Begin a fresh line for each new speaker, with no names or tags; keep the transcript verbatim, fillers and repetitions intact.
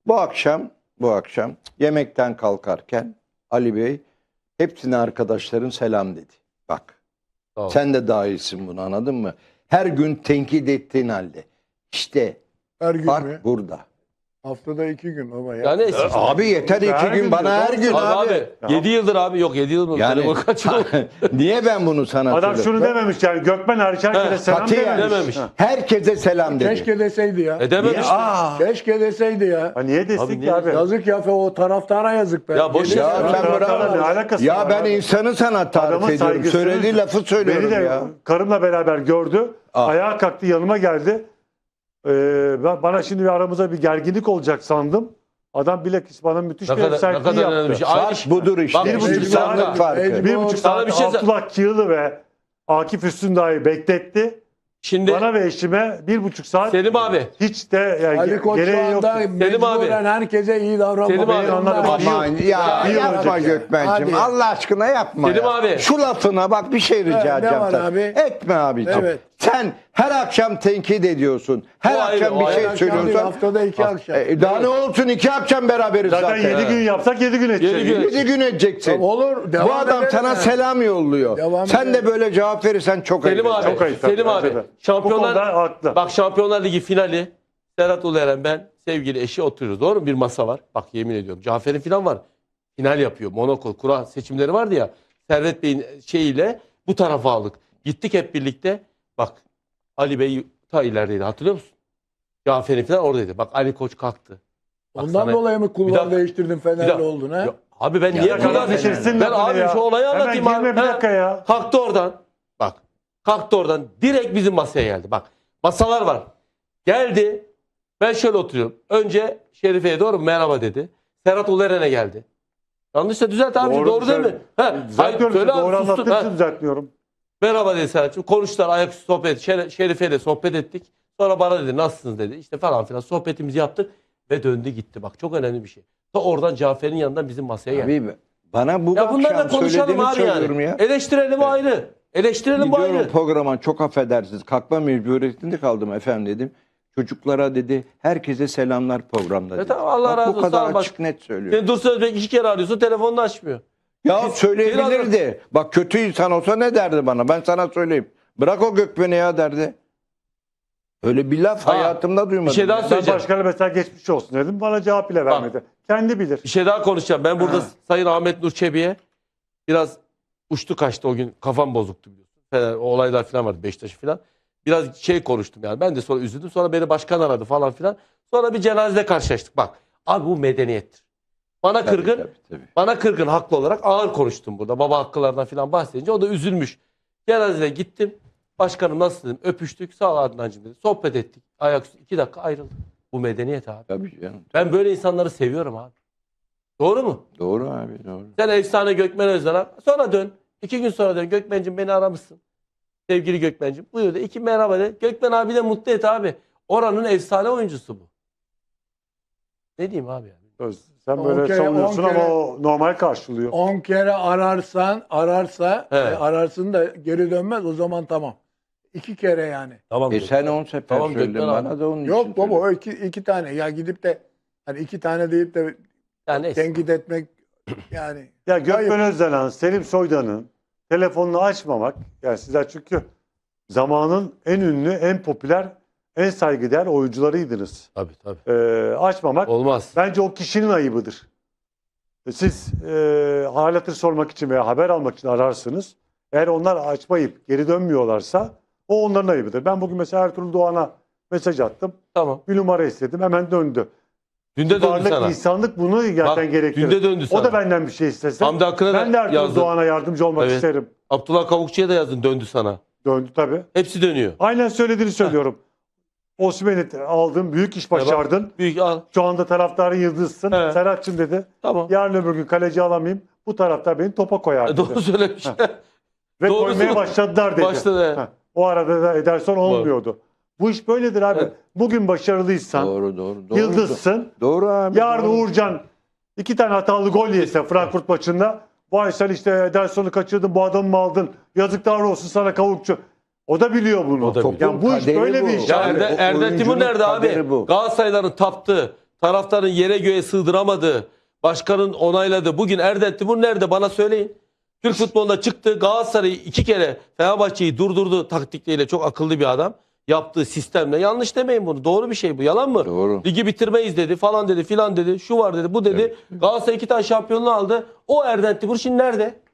Bu akşam, bu akşam yemekten kalkarken Ali Bey hepsine arkadaşların selam dedi. Bak.
Tamam.
Sen de dahilsin bunu, anladın mı? Her gün tenkit ettiğin halde. İşte
Her gün
fark
mü?
burada.
Haftada iki gün baba ya.
Yani eski.
Abi yeter iki
Her
gün
gün
bana her
diyor.
gün
Abi,
abi.
abi yedi yıldır abi yok yedi yıl mı?
Yani
Telefon kaç yıl?
niye ben bunu sana
Adam
söylüyorum?
şunu dememiş yani Gökmen hariç herkese
He,
selam
katiyen
dememiş.
dememiş.
Ha.
Herkese selam dedi.
Keşke deseydi ya.
E dememiş.
Aa,
Keşke deseydi ya.
Ha, niye destek
Abi
ki
niye-
abi?
Yazık ya o taraftara yazık be.
Ya boş
Gelir-
ver.
ya
Ya
sen
ben
bravo.
ne alakası
Ya
var
ben
abi?
insanı sana tarif
Adamın
ediyorum.
saygısını-
Söylediği lafı söylüyorum
Beni de
ya.
karımla beraber gördü.
Ah.
Ayağa kalktı yanıma geldi. Ee, ben- bana şimdi bir aramıza bir gerginlik olacak sandım. Adam bilakis bana müthiş
Ne
bir
kadar, ne
sertliği
kadar
yaptı.
önemli bir şey. Aynı
Fark
şey.
budur işte.
Bak,
bir buçuk
İnsanlık
saat-
farkı.
Mecbur-
Bir buçuk
Sana
saat
bir şey-
Abdullah Kiyılı ve Akif Üstündağ'ı bekletti.
Şimdi
Bana ve eşime bir buçuk saat
Selim abi.
hiç de yani
Ali Koç şu
gereği yok.
anda mecburen herkese iyi davranmak.
Selim abi,
zorunda.
anladım.
Aman
Bir yıl-
ya
bir yıl
yapma
önceki.
Gökmen'cim.
Hadi.
Allah aşkına yapma
Selim
ya.
abi.
Şu lafına bak bir şey rica
ne
edeceğim.
var
sana.
abi?
Etme abiciğim.
Evet.
Sen her akşam tenkit ediyorsun. Her
O ayrı,
akşam
o
bir
ayrı.
şey
Her akşam değil,
söylüyorsun.
haftada iki akşam.
E, daha ne olsun, iki akşam beraberiz
Zaten
zaten.
yedi gün yapsak yedi gün edeceğiz.
Yedi gün.
Yedi gün edeceksin.
Tamam, olur. Devam
Bu adam
edelim
sana
yani.
selam yolluyor.
Devam
Sen de
edelim.
böyle cevap verirsen çok
Selim
ayıp.
abi.
Çok ayıp tabii,
Selim
bence
abi.
de. Bu
Şampiyonlar
konuda haklı.
Bak Şampiyonlar Ligi finali Serhat Ulueren, ben, sevgili eşi oturuyoruz. Doğru mu? Bir masa var. Bak yemin ediyorum. Cafer'in falan var. Final yapıyor. Monaco kura seçimleri vardı ya. Servet Bey'in şeyiyle bu tarafa aldık. Gittik hep birlikte. Bak Ali Bey ta ilerideydi. Hatırlıyor musun? Cafer'in falan oradaydı. Bak Ali Koç kalktı. Bak
Ondan
sana-
dolayı mı
Bir
kulvar
dakika-
değiştirdin
Bir
Fenerli
dakika-
oldun ha?
Ya, abi ben
Ya
niye
ya
kulağım
kardeşim,
Bitirsin
Ben
lafını
abi
ya.
şu olayı
Hemen
anlatayım
girme
abi.
bir
Ha.
dakika ya.
Kalktı oradan. Bak. Kalktı oradan. Direkt bizim masaya geldi. Bak. Masalar var. Geldi. Ben şöyle oturuyorum. Önce Şerife'ye doğru merhaba dedi. Serhat Ulueren'e geldi. Yanlışsa düzelt abi. Doğru,
Doğru,
değil mi?
güzel.
Ha, hayır,
Düzeltiyorum.
söyle abi,
Doğru
sustun.
anlattığın
Ha.
için düzeltmiyorum.
Merhaba dedi Serhat'cığım. Konuştular. Ayaküstü sohbet. Şer Şerife'yle sohbet ettik. Sonra bana dedi nasılsınız dedi. İşte falan filan sohbetimizi yaptık. Ve döndü gitti. Bak çok önemli bir şey. Ta oradan Cafer'in yanından bizim masaya geldi.
Abi bana bu
Ya bunlarla
akşam
konuşalım
söylediğini
abi
söylüyorum
yani.
ya.
Eleştirelim ayrı. Eleştirelim bu
Gidiyorum
ayrı.
programa, çok affedersiniz. Kalkma mecburiyetinde kaldım efendim dedim. Çocuklara dedi, herkese selamlar programda dedi.
E tamam, Allah
Bak,
razı
bu
olsun.
kadar
Tamam, bak.
açık net söylüyor.
Sen Dursun Özbek iki kere arıyorsun, telefonunu açmıyor.
Ya
Biz-
söyleyebilirdi. Bak kötü insan olsa ne derdi bana? Ben sana söyleyeyim. Bırak o Gökmen'i ya derdi. Öyle bir laf
Ha,
hayatımda duymadım.
bir şey daha
ya.
Ben
söyleyeceğim.
başkana mesela geçmiş olsun dedim. Bana cevap bile vermedi. Kendi bilir.
Bir şey daha konuşacağım. Ben burada
Ha.
Sayın Ahmet Nur Çebi'ye biraz uçtu kaçtı o gün. Kafam bozuktu biliyorsun. Fener, o olaylar falan vardı, Beşiktaş falan. Biraz şey konuştum yani. Ben de sonra üzüldüm. Sonra beni başkan aradı falan filan. Sonra bir cenazede karşılaştık. Bak abi bu medeniyettir. Bana
Tabii,
kırgın.
tabii, tabii.
Bana kırgın haklı olarak ağır konuştum burada. Baba hakkılarından falan bahsedince o da üzülmüş. Cenazede gittim. Başkanım nasıl dedim. Öpüştük. Sağ ol Adnancığım dedi. Sohbet ettik. Ayaküstü iki dakika ayrıldık. Bu medeniyet abi.
Tabii canım.
Ben böyle insanları seviyorum abi. Doğru mu?
Doğru abi, doğru.
Sen efsane Gökmen Özden'e sonra dön. İki gün sonra dön. Gökmen'cim beni aramışsın. Sevgili Gökmen'cim. Buyur de. İki merhaba de. Gökmen abi de mutlu et abi. Oranın efsane oyuncusu bu. Ne diyeyim abi yani?
Öz, Sen
On
böyle
kere,
savunuyorsun
on
ama
kere-
o normal karşılıyor.
on kere ararsan, ararsa,
He.
e, ararsın da geri dönmez o zaman tamam. İki kere yani.
Tamam.
E sen on sefer
Tamam,
söyledin
Gökmen
bana
abi.
da onun için
Yok baba
söyledim.
o iki, iki tane. Ya gidip de hani iki tane deyip de
Yani neyse.
tenkit etmek yani.
Ya Gökmen
Hayır.
Özdelen, Selim Soydan'ın telefonunu açmamak, yani sizler çünkü zamanın en ünlü, en popüler, en saygıdeğer oyuncularıydınız.
Tabii tabii.
Ee, açmamak
Olmaz.
bence o kişinin ayıbıdır. Siz e, hal hatır sormak için veya haber almak için ararsınız. Eğer onlar açmayıp geri dönmüyorlarsa o onların ayıbıdır. Ben bugün mesela Ertuğrul Doğan'a mesaj attım.
Tamam.
Bir numara istedim. Hemen döndü.
Dün de döndü
Varlık,
sana.
insanlık bunu
Bak,
zaten gerektirir.
dün de döndü sana.
O da benden bir şey istese.
Hamdi Akın'a
Ben de
da
Ertuğrul
yazdın.
Doğan'a yardımcı olmak
Evet.
isterim.
Abdullah Kavukçu'ya da yazdın, döndü sana.
Döndü tabii.
Hepsi dönüyor.
Aynen söylediğini söylüyorum. Osimhen'i aldın, büyük iş başardın.
Büyük al.
Şu anda taraftarın yıldızsın.
Evet.
Serhat'cığım dedi.
Tamam.
Yarın öbür gün kaleci alamayayım. Bu taraftar beni topa koyar
E,
dedi.
doğru söylemiş.
Ve
doğrusu-
koymaya başladılar dedi.
Başladı.
Ha, o arada da Ederson olmuyordu. Bu iş böyledir abi.
Evet.
Bugün başarılıysan,
Doğru, doğru. doğru.
yıldızsın.
Doğru abi.
Yarın
doğru.
Uğurcan iki tane hatalı gol yese Frankfurt maçında. Vay sen işte Ederson'u kaçırdın, bu adamı mı aldın? Yazıklar olsun sana Kavukçu. O da biliyor bunu.
O da biliyor.
Ya bu iş
Kaderi
böyle
bu.
bir iş.
Ya
abi.
Erde,
o
Erdem Timur
oyuncunun
nerede
kaderi
abi?
bu.
Galatasarayların taptığı, taraftarın yere göğe sığdıramadığı, başkanın onayladığı, bugün Erden Timur nerede bana söyleyin. Türk futbolunda çıktı, Galatasaray'ı iki kere Fenerbahçe'yi durdurdu taktikleriyle, çok akıllı bir adam. Yaptığı sistemle, yanlış demeyin bunu, doğru bir şey bu, yalan mı?
Doğru.
Ligi bitirmeyiz dedi, falan dedi, filan dedi, şu var dedi, bu dedi. Galatasaray iki tane şampiyonluğu aldı. O Erden Timur şimdi nerede?